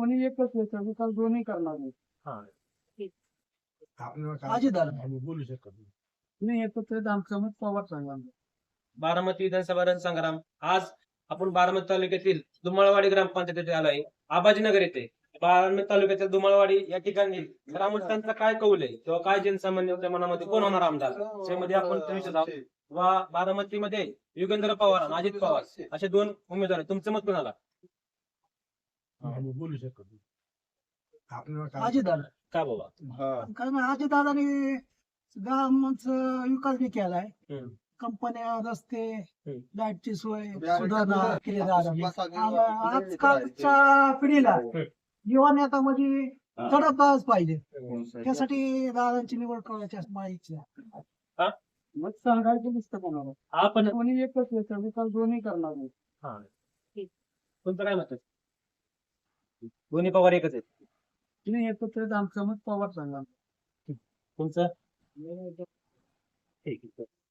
कोणी एकच येतं, विकास दोन्ही करणार नाही. बोलू शकत नाही येतो तर आमचं मत पवार सांगा. बारामती विधानसभा रणसंग्राम. आज आपण बारामती तालुक्यातील दुमाळवाडी ग्रामपंचायतीत आलोय. आबाजीनगर येथे बारामती तालुक्यातील दुमाळवाडी या ठिकाणी ग्रामस्थांचा काय कौल आहे किंवा काय जनसामान्यांच्या मनामध्ये कोण होणार आमदार त्यामध्ये आपण विचारत आहोत. वा बारामतीमध्ये युगेंद्र पवार आणि अजित पवार असे दोन उमेदवार आहेत. तुमचं मत कोणाला? बोलू शकत का बाबा? कारण अजितदादांनी गावांचा विकास बी केलाय. कंपन्या, रस्ते, लाईटची सोय सुधारणा केली आजकालच्या पिढीला युवा नेता म्हणजे तडफदारच पाहिजे. त्यासाठी दादांची निवड करायची असं माझी इच्छा. मत सांगायचं नसतं कोणाला. आपण कोणी एकच येतं, विकास दोन्ही करणार नाही. तुमचं काय मत आहे? दोन्ही पवार एकच आहेत. नाही येतो तर आमचं मत पवार सांगा. तुमचं? ठीक आहे.